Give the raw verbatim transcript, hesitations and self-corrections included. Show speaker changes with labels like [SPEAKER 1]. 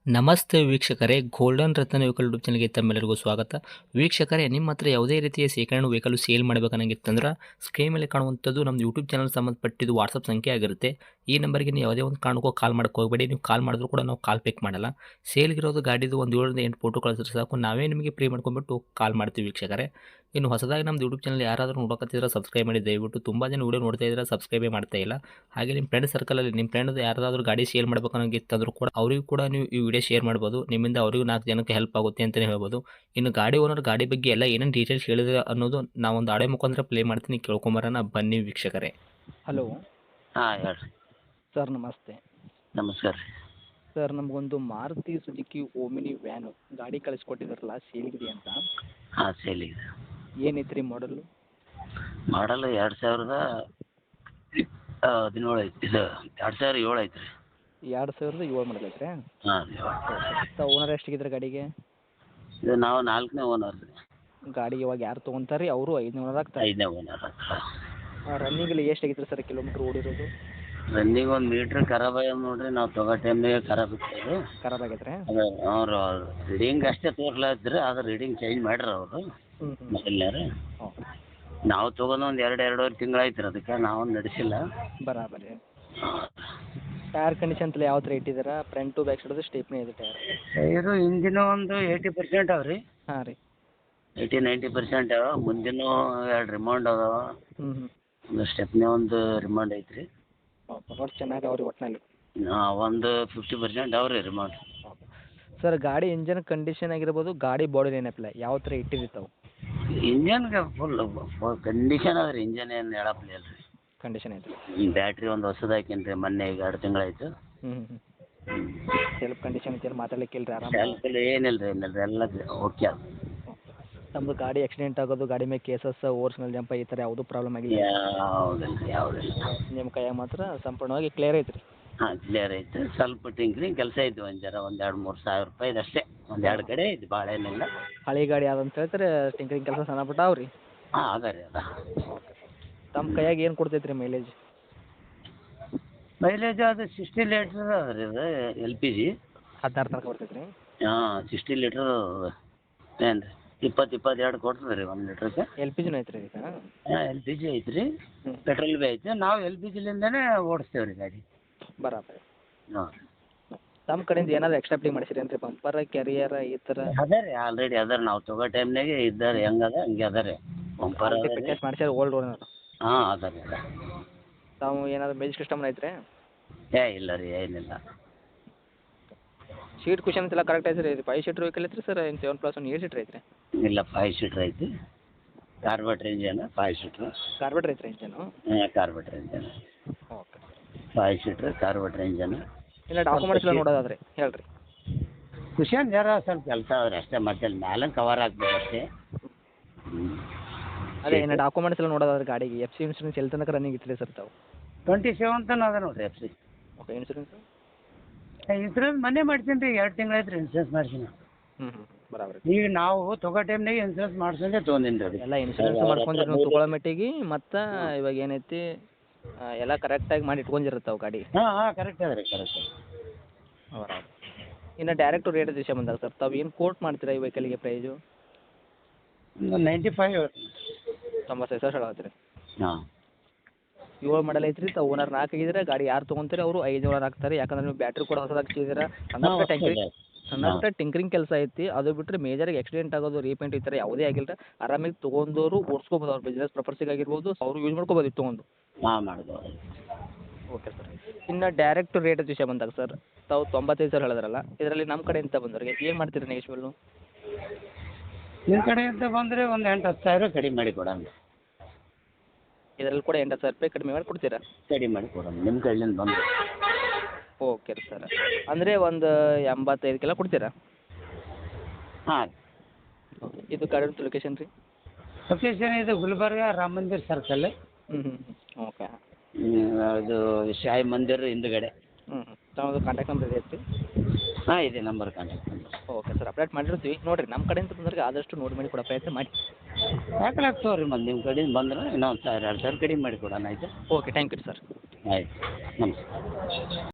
[SPEAKER 1] ನಮಸ್ತೆ ವೀಕ್ಷಕರೇ, ಗೋಲ್ಡನ್ ರತ್ನ vehicle YouTube ಚಾನಲ್ಗೆ ತಮ್ಮೆಲ್ಲರಿಗೂ ಸ್ವಾಗತ. ವೀಕ್ಷಕರೇ, ನಿಮ್ಮ ಹತ್ರ ಯಾವುದೇ ರೀತಿಯ ಶೇಖರಣೆ ವೆಹಿಕಲ್ ಸೇಲ್ ಮಾಡಬೇಕನ್ನಂಗಿತ್ತಂದ್ರೆ ಸ್ಕ್ರೀನ್ ಮೇಲೆ ಕಾಣುವಂಥದ್ದು ನಮ್ಮ ಯೂಟ್ಯೂಬ್ ಚಾನಲ್ ಸಂಬಂಧಪಟ್ಟಿದ್ದು ವಾಟ್ಸಪ್ ಸಂಖ್ಯೆ ಆಗಿರುತ್ತೆ. ಈ ನಂಬರ್ಗೆ ನೀವು ಯಾವುದೇ ಒಂದು ಕಾರಣಕ್ಕೂ ಕಾಲ್ ಮಾಡೋಕೆ ಹೋಗಬೇಡಿ. ನೀವು ಕಾಲ್ ಮಾಡಿದ್ರು ಕೂಡ ನಾವು ಕಾಲ್ ಪಿಕ್ ಮಾಡಲ್ಲ. ಸೇಲ್ಗಿರೋದು ಗಾಡಿದು ಒಂದು ಏಳರಿಂದ ಎಂಟು ಫೋಟೋ ಕಳಿಸಿದ್ರೆ ಸಾಕು, ನಾವೇ ನಿಮಗೆ ಪ್ರೀ ಮಾಡ್ಕೊಂಡ್ಬಿಟ್ಟು ಕಾಲ್ ಮಾಡ್ತೀವಿ ವೀಕ್ಷಕರೇ. ಇನ್ನು ಹೊಸದಾಗಿ ನಮ್ಮ ಯೂಟ್ಯೂಬ್ ಚಾನಲ್ ಯಾರಾದರೂ ನೋಡೋಕತ್ತಿದ್ರೆ ಸಬ್ಸ್ಕ್ರೈಬ್ ಮಾಡಿ ದಯವಿಟ್ಟು. ತುಂಬ ಜನ ವೀಡಿಯೋ ನೋಡ್ತಾ ಇದ್ದಾರೆ, ಸಬ್ಸ್ಕ್ರೈಬೇ ಮಾಡ್ತಾ ಇಲ್ಲ. ಹಾಗೆ ನಿಮ್ಮ ಫ್ರೆಂಡ್ ಸರ್ಕಲಲ್ಲಿ ನಿಮ್ಮ ಫ್ರೆಂಡ್ ಯಾರಾದರೂ ಗಾಡಿ ಸೇಲ್ ಮಾಡ್ಬೇಕನ್ನೋಂಗಿತ್ತಂದ್ರೂ ಕೂಡ ಅವರಿಗೂ ಕೂಡ ನೀವು ಈ ವಿಡಿಯೋ ಶೇರ್ ಮಾಡ್ಬೋದು. ನಿಮ್ಮಿಂದ ಅವರಿಗೂ ನಾಲ್ಕು ಜನಕ್ಕೆ ಹೆಲ್ಪ್ ಆಗುತ್ತೆ ಅಂತಲೇ ಹೇಳ್ಬೋದು. ಇನ್ನು ಗಾಡಿ ಓನರ್ ಗಾಡಿ ಬಗ್ಗೆ ಎಲ್ಲ ಏನೇನು ಡೀಟೇಲ್ಸ್ ಹೇಳಿದ್ರೆ ಅನ್ನೋದು ನಾವೊಂದು ಆಡೆ ಮುಖಾಂತರ ಪ್ಲೇ ಮಾಡ್ತೀನಿ, ಕೇಳ್ಕೊಂಬರೋಣ ಬನ್ನಿ ವೀಕ್ಷಕರೇ.
[SPEAKER 2] ಹಲೋ
[SPEAKER 3] ಹಾಂ ಹೇಳ್ರಿ.
[SPEAKER 2] ಸರ್, ನಮಸ್ತೆ.
[SPEAKER 3] ನಮಸ್ಕಾರ ರೀ.
[SPEAKER 2] ಸರ್, ನಮಗೊಂದು ಮಾರುತಿ ಸುಜುಕಿ ಓಮಿನಿ ವ್ಯಾನು ಗಾಡಿ ಕಳಿಸ್ಕೊಟ್ಟಿದ್ರಲ್ಲ, ಸೇಲ್ಗಿದೆ ಅಂತ.
[SPEAKER 3] ಹಾಂ ಸೇಲಿದೆ.
[SPEAKER 2] ಏನೈತೆ ರೀ ಮಾಡಲು?
[SPEAKER 3] ಮಾಡಲ್ ಎರಡು ಸಾವಿರದ ಹದಿನೇಳು ಐತಿ. ಇದು ಎರಡು ಸಾವಿರ ಏಳು ಐತಿ ರೀ.
[SPEAKER 2] ಎರಡು ಸಾವಿರದ ಏಳು ಮಾಡಲ್ ಐತ್ರಿ.
[SPEAKER 3] ಹಾಂ
[SPEAKER 2] ಸರ್, ಓನರ್ ಎಷ್ಟಿಗಿದ್ರೆ ಗಾಡಿಗೆ?
[SPEAKER 3] ಇದು ನಾವು ನಾಲ್ಕನೇ ಓನರ್ ರೀ.
[SPEAKER 2] ಗಾಡಿ ಇವಾಗ ಯಾರು ತೊಗೊಂತಾರೆ ರೀ, ಅವರು ಐದನೇ ಓನರ್ ಆಗ್ತಾರೆ.
[SPEAKER 3] ಐದನೇ ಓನರ್ ಆಗ್ತಾರೆ.
[SPEAKER 2] ರನ್ನಿಂಗಲ್ಲಿ ಎಷ್ಟಾಗಿತ್ತು ಸರ್ ಕಿಲೋಮೀಟ್ರ್ ಓಡಿರೋದು?
[SPEAKER 3] ರನ್ನಿಂಗ್ ಒಂದು ಮೀಟ್ರ್ ಖರಾಬ್ ಆಗ್ಯಾವ ನೋಡ್ರಿ. ನಾವು ತೊಗೋ ಟೈಮ್ನಾಗೆ ಖರಾಬ್ ಇತ್ತು.
[SPEAKER 2] ಖರಾಬ್ ಆಗೈತೆ ರೀ?
[SPEAKER 3] ಅದು ಅವ್ರು ರೀಡಿಂಗ್ ಅಷ್ಟೇ ತೋರ್ಲಾತ್ರಿ, ಆದ್ರೆ ರೀಡಿಂಗ್ ಚೇಂಜ್ ಮಾಡ್ರಿ ಅವರು
[SPEAKER 2] ಹ್ಞೂ ಹ್ಞೂ
[SPEAKER 3] ಮೊದಲನೇ.
[SPEAKER 2] ಹ್ಞೂ
[SPEAKER 3] ನಾವು ತೊಗೊಂಡು ಒಂದು ಎರಡು ಎರಡೂವರೆ ತಿಂಗಳಾಯ್ತು ರೀ, ಅದಕ್ಕೆ ನಾವು ನಡೆಸಿಲ್ಲ.
[SPEAKER 2] ಬರಾಬರಿ. ಟೈರ್ ಕಂಡೀಷನ್ ತಲೆ ಯಾವ ಥರ ಇಟ್ಟಿದ್ದೀರಾ? ಫ್ರಂಟು ಬ್ಯಾಕ್ ಸೈಡದು ಸ್ಟೇಪ್ನೇ ಇದೆ ಟೈರ್?
[SPEAKER 3] ಇದು ಇಂಜಿನ್ ಒಂದು ಏಯ್ಟಿ ಪರ್ಸೆಂಟ್ ಅವ ರೀ.
[SPEAKER 2] ಹಾಂ ರೀ.
[SPEAKER 3] ಏಯ್ಟಿ ನೈಂಟಿ ಪರ್ಸೆಂಟ್ ಅವ. ಮುಂದಿನ ಎರಡು ರಿಮೌಂಡ್ ಅದಾವ.
[SPEAKER 2] ಹ್ಞೂ ಹ್ಞೂ
[SPEAKER 3] ಒಂದು ಸ್ಟೆಪ್ನೇ ಒಂದು ರಿಮೌಂಡ್ ಐತ್ರಿ.
[SPEAKER 2] ಓಕೆ, ಒಟ್ಟು ಚೆನ್ನಾಗಿ ಅವ್ರಿ ಒಟ್ಟಿನಲ್ಲಿ.
[SPEAKER 3] ಒಂದು ಫಿಫ್ಟಿ ಪರ್ಸೆಂಟ್ ಅವ್ರಿ ರಿಮೌಂಡ್.
[SPEAKER 2] ಓಕೆ ಸರ್, ಗಾಡಿ ಇಂಜನ್ ಕಂಡೀಷನ್ ಆಗಿರ್ಬೋದು, ಗಾಡಿ ಬಾಡಿ ಏನಪ್ಪ ಯಾವ ಥರ ಇಟ್ಟಿರ್ತಾವೆ?
[SPEAKER 3] ಇಂಜನ್ಗೆ ಫುಲ್ ಕಂಡೀಷನ್ ಅದ ರೀ. ಇಂಜನ್ ಏನು ಹೇಳಪ್ಲಿ ಅಲ್ಲ ರೀ.
[SPEAKER 2] ಕಂಡೀಷನ್ ಐತೆ.
[SPEAKER 3] ಬ್ಯಾಟ್ರಿ ಒಂದು ಹೊಸದು ಹಾಕೀನಿ ರೀ, ಮೊನ್ನೆ ಈಗ ಎರಡು ತಿಂಗಳಾಯ್ತು.
[SPEAKER 2] ಹ್ಞೂ ಹ್ಞೂ ಸೆಲ್ಫ್ ಕಂಡೀಷನ್ ಐತೆ, ಮಾತಾಡ್ಲಿಕ್ಕೆ ಇಲ್ಲ ರೀ? ಆರಾಮ
[SPEAKER 3] ಸೆಲ್ಫ್ ಏನಿಲ್ಲ ರೀ, ಏನಿಲ್ಲ ರೀ, ಎಲ್ಲ ಓಕೆ ಅದು.
[SPEAKER 2] ನಮ್ಮದು ಗಾಡಿ ಆಕ್ಸಿಡೆಂಟ್ ಆಗೋದು, ಗಾಡಿ ಮೇಲೆ ಕೇಸಸ್, ಓವರ್ಸ್ ಮೇಲೆ ಜಂಪ್ ಈ ಥರ ಯಾವುದೂ ಪ್ರಾಬ್ಲಮ್ ಆಗಿಲ್ಲ?
[SPEAKER 3] ಯಾವುದಿಲ್ಲ ರೀ, ಯಾವುದಿಲ್ಲ.
[SPEAKER 2] ನಿಮ್ಮ ಕೈಯಾಗ ಮಾತ್ರ ಸಂಪೂರ್ಣವಾಗಿ ಕ್ಲಿಯರ್ ಐತೆ ರೀ?
[SPEAKER 3] ಹಾಂ ಕ್ಲಿಯರ್ ಐತೆ. ಸ್ವಲ್ಪ ಟಿಂಕ್ರಿಂಗ್ ಕೆಲಸ ಐತೆ, ಒಂದು ಜರ ಒಂದು ಎರಡು ಮೂರು ಸಾವಿರ ರೂಪಾಯಿದು ಅಷ್ಟೇ. ಒಂದು ಎರಡು ಕಡೆ ಐತೆ, ಭಾಳ ಏನಿಲ್ಲ.
[SPEAKER 2] ಹಳೆ ಗಾಡಿ ಯಾವ್ದಂತ ಹೇಳ್ತಾರೆ, ಟಿಂಕರಿಂಗ್ ಕೆಲಸ ಸಣ್ಣ ಪುಟ್ಟ ಅವ್ರಿ?
[SPEAKER 3] ಹಾಂ ಅದ ರೀ, ಅದ.
[SPEAKER 2] ತಮ್ಮ ಕೈಯಾಗ ಏನು ಕೊಡ್ತೈತೆ ರೀ ಮೈಲೇಜ್?
[SPEAKER 3] ಮೈಲೇಜ್ ಅದು ಸಿಕ್ಸ್ಟಿ ಲೀಟ್ರ್ ಅದ ರೀ. ಇದು ಎಲ್ ಪಿ ಜಿ
[SPEAKER 2] ಹದಿನಾರು ತನಕ ಬರ್ತೈತೆ ರೀ?
[SPEAKER 3] ಹಾಂ ಸಿಕ್ಸ್ಟಿ ಲೀಟ್ರ್ ಏನು ರೀ, ಇಪ್ಪತ್ತು ಇಪ್ಪತ್ತೆರಡು ಕೊಡ್ತದೆ ರೀ ಒಂದು ಲೀಟ್ರಿಗೆ.
[SPEAKER 2] ಎಲ್ ಪಿ ಜಿನೂ ಐತೆ ರೀ ಈಗ?
[SPEAKER 3] ಹಾಂ ಎಲ್ ಪಿ ಜಿ ಐತೆ ರೀ,
[SPEAKER 2] ಹ್ಞೂ
[SPEAKER 3] ಪೆಟ್ರೋಲ್ ಬಿ ಐತೆ. ನಾವು ಎಲ್ ಪಿ ಜಿಲಿಂದನೇ ಓಡಿಸ್ತೇವೆ ರೀ ಗಾಡಿ.
[SPEAKER 2] ಬರಾಬರಿ.
[SPEAKER 3] ಹಾಂ
[SPEAKER 2] ತಮ್ಮ ಕಡೆಯಿಂದ ಏನಾದ್ರು ಎಕ್ಸ್ಟ್ರಾ ಪ್ಲೇ ಮಾಡಿಸಿರಿ ಅಂತ ರೀ? ಬಂಪರ, ಕ್ಯಾರಿಯರ ಈ ಥರ?
[SPEAKER 3] ಅದ ರೀ, ಆಲ್ರೆಡಿ ಅದ ರೀ. ನಾವು ತೊಗೋ ಟೈಮ್ನಾಗೆ ಇದ್ದಾರೆ, ಹೆಂಗದ ಹಂಗೆ ಅದ ರೀ. ಬಂಪರ್ ಅದ ರೀ.
[SPEAKER 2] ಫಿಟ್ನೆಸ್ ಮಾಡಿಸ್ಯಾರ ಓಲ್ಡ್ ಓನರ್?
[SPEAKER 3] ಹಾಂ ಅದ ರೀ, ಅದ.
[SPEAKER 2] ತಾವು ಏನಾದ್ರು ಮ್ಯೂಸಿಕ್ ಸಿಸ್ಟಮ್ ಐತ್ರಿ?
[SPEAKER 3] ಏ ಇಲ್ಲ ರೀ, ಏನಿಲ್ಲ.
[SPEAKER 2] ಸೀಟ್ ಕುಷನ್ಸ್ ಎಲ್ಲ ಕರೆಕ್ಟ್ ಐತೆ ರೀ? ಇದು ಫೈವ್ ಸೀಟ್ರ್ ವೆಹಿಕಲ್ ಐತ್ರಿ ಸರ್, ಏನು seven plus one eight seater ಐತ್ರಿ?
[SPEAKER 3] ಇಲ್ಲ, ಫೈವ್ ಸೀಟ್ರ್ ಐತಿ. Carburettor engine five seater.
[SPEAKER 2] Carburettor ಐತ್ರಿ ಇಂಜನು?
[SPEAKER 3] ಹಾಂ carburettor engine
[SPEAKER 2] okay.
[SPEAKER 3] Five seater carburettor engine.
[SPEAKER 2] ಇಲ್ಲ ಡಾಕ್ಯುಮೆಂಟ್ಸ್ ಎಲ್ಲ ನೋಡೋದಾದ್ರೆ ಹೇಳ್ರಿ.
[SPEAKER 3] ಕುಷನ್ ಜರ ಸ್ವಲ್ಪ ಕೆಲಸ ಆದ್ರೆ ಅಷ್ಟೇ, ಮತ್ತೆ ಮ್ಯಾಲೆ ಕವರ್ ಹಾಕ್ಬೇಕು ಅಷ್ಟೇ. ಹ್ಞೂ
[SPEAKER 2] ಅದೇ ಏನು ಡಾಕ್ಯುಮೆಂಟ್ಸ್ ಎಲ್ಲ ನೋಡೋದಾದ್ರೆ ಗಾಡಿಗೆ ಎಫ್ ಸಿ ಇನ್ಶೂರೆನ್ಸ್ ಎಲ್ಲಿ ತನಕ ರನ್ನಿಂಗ್ ಇತ್ತು ರೀ ಸರ್ ತಾವು?
[SPEAKER 3] ಟ್ವೆಂಟಿ ಸೆವೆನ್ ತನಕ ಅದ ನೋಡಿರಿ F C.
[SPEAKER 2] Okay. Insurance?
[SPEAKER 3] Insurance ಮೊನ್ನೆ ಮಾಡ್ತೀನಿ ರೀ, ಎರಡು ತಿಂಗಳು ರೀ ಇನ್ಸೂರೆನ್ಸ್ ಮಾಡ್ತೀನಿ.
[SPEAKER 2] ಹ್ಞೂ ಹ್ಞೂ ಬರಾಬರಿ.
[SPEAKER 3] ಈಗ ನಾವು ತೊಗೋ ಟೈಮ್ನಾಗೆ ಇನ್ಸೂರೆನ್ಸ್ ಮಾಡ್ಸಂಗೆ ತೊಗೊಂಡಿನಿ ರೀ.
[SPEAKER 2] ಎಲ್ಲ ಇನ್ಶೂರೆನ್ಸ್ ಮಾಡ್ಕೊಂಡ್ರೆ ನೀವು ತೊಗೊಳ್ಳೋ ಮಟ್ಟಿಗೆ ಮತ್ತು ಇವಾಗ ಏನೈತಿ ಎಲ್ಲ ಕರೆಕ್ಟಾಗಿ ಮಾಡಿ ಇಟ್ಕೊಂಡಿರ್ತಾವೆ ಗಾಡಿ?
[SPEAKER 3] ಹಾಂ ಹಾಂ ಕರೆಕ್ಟ್ ಅದ ರೀ, ಕರೆಕ್ಟ್ ಅದ.
[SPEAKER 2] ಬರಾಬರಿ. ಇನ್ನು ಡೈರೆಕ್ಟು ರೇಟ್ ವಿಷಯ ಬಂದಾಗ ಸರ್, ತಾವು ಏನು ಕೋಟ್ ಮಾಡ್ತೀರಾ ಈ ವೆಹಿಕಲ್ಗೆ ಪ್ರೈಸು?
[SPEAKER 3] ಒಂದು ನೈಂಟಿ ಫೈವ್.
[SPEAKER 2] ತೊಂಬತ್ತೈದು ಸಾವಿರ ಹೇಳತ್ತೀರಿ?
[SPEAKER 3] ಹಾಂ
[SPEAKER 2] ಏಳು ಮಾಡಲ್ ಐತ್ರಿ. ತಾವು ಓನರ್ ನಾಲ್ಕು ಆಗಿದ್ರೆ ಗಾಡಿ ಯಾರು ತೊಗೊಂತಾರೆ ಅವರು ಐದು ಓನರ್ ಆಗ್ತಾರೆ. ಯಾಕಂದ್ರೆ ನೀವು ಬ್ಯಾಟ್ರಿ ಕೂಡ ಹೊಸದಾಗಿ ಹಚ್ಚಿದ್ದೀರಾ. ಸಣ್ಣ ಪುಟ್ಟ ಟ್ಯಾಂಕ್ರಿಂಗ್ ಸಣ್ಣ ಪುಟ್ಟ ಟಿಂಕ್ರಿಂಗ್ ಕೆಲಸ ಐತಿ, ಅದು ಬಿಟ್ಟರೆ ಮೇಜರಾಗಿ ಆಕ್ಸಿಡೆಂಟ್ ಆಗೋದು, ರೀಪೇಂಟ್ ಈ ಥರ ಯಾವುದೇ ಆಗಿಲ್ಲ. ಆರಾಮಾಗಿ ತೊಗೊಂಡವರು ಓಡಿಸ್ಕೋಬೋದು, ಅವ್ರ ಬಿಸ್ನೆಸ್ ಪರ್ಪಸ್ಸಿಗೆ ಆಗಿರ್ಬೋದು, ಅವರು ಯೂಸ್ ಮಾಡ್ಕೋಬೋದು ಇದು ತೊಗೊಂಡು.
[SPEAKER 3] ಹಾಂ ಮಾಡ್ಬೋದು.
[SPEAKER 2] Okay sir. ಇನ್ನು ಡೈರೆಕ್ಟ್ ರೇಟ್ ವಿಷಯ ಬಂದಾಗ ಸರ್, ತಾವು ತೊಂಬತ್ತೈದು ಸಾವಿರ ಹೇಳಿದ್ರಲ್ಲ, ಇದರಲ್ಲಿ ನಮ್ಮ ಕಡೆಯಿಂದ ಬಂದವ್ರಿಗೆ ಏನು ಮಾಡ್ತೀರಿ ನೆಗೆಶ್ವಲ್ಲು?
[SPEAKER 3] ನಿಮ್ಮ ಕಡೆಯಿಂದ ಬಂದರೆ ಒಂದು ಎಂಟು ಹತ್ತು ಸಾವಿರ ಕಡಿಮೆ ಮಾಡಿ ಕೊಡೋಣ.
[SPEAKER 2] ಇದರಲ್ಲಿ ಕೂಡ ಎಂಟು ಸಾವಿರ ರೂಪಾಯಿ ಕಡಿಮೆ ಮಾಡಿ ಕೊಡ್ತೀರಾ?
[SPEAKER 3] ಕಡಿಮೆ ಮಾಡಿ ಕೊಡೋಣ ನಿಮ್ಮ ಕಡೆಯಿಂದ ಬಂದರೆ.
[SPEAKER 2] Okay sir. ಅಂದರೆ ಒಂದು ಎಂಬತ್ತೈದಕ್ಕೆಲ್ಲ ಕೊಡ್ತೀರಾ?
[SPEAKER 3] ಹಾಂ.
[SPEAKER 2] ಓಕೆ. ಇದು ಗಾಡಿ ಲೊಕೇಶನ್ ರೀ?
[SPEAKER 3] ಲೊಕೇಶನ್ ಇದು ಗುಲ್ಬರ್ಗ ರಾಮ ಮಂದಿರ ಸರ್ಕಲ್.
[SPEAKER 2] ಹ್ಞೂ ಹ್ಞೂ ಹ್ಞೂ ಓಕೆ.
[SPEAKER 3] ಅದು ಶಾಯಿ ಮಂದಿರ ಹಿಂದುಗಡೆ.
[SPEAKER 2] ಹ್ಞೂ ಹ್ಞೂ ತಮ್ಮದು ಕಾಂಟ್ಯಾಕ್ಟ್ ನಂಬರ್ ಇದೆ ಐತಿ?
[SPEAKER 3] ಹಾಂ ಇದೆ number, contact number.
[SPEAKER 2] Okay sir, update ಮಾಡಿರ್ತೀವಿ. ನೋಡಿರಿ ನಮ್ಮ ಕಡೆಯಿಂದ ಬಂದ್ರೆ ಆದಷ್ಟು ನೋಡಿ ಮಾಡಿ ಕೊಡೋ ಪ್ರಯತ್ನ ಮಾಡಿ.
[SPEAKER 3] ಯಾಕೆ ತೋರಿ ಮತ್ತೆ ನಿಮ್ಮ ಕಡೆಯಿಂದ ಬಂದ್ರೆ ಇನ್ನೊಂದು ಸಾವಿರ ಎರಡು ಸಾವಿರ ಕಡಿಮೆ ಮಾಡಿ ಕೊಡೋಣ ಆಯಿತು?
[SPEAKER 2] Okay, thank you sir.
[SPEAKER 3] ಆಯ್ತು, ನಮಸ್ಕಾರ.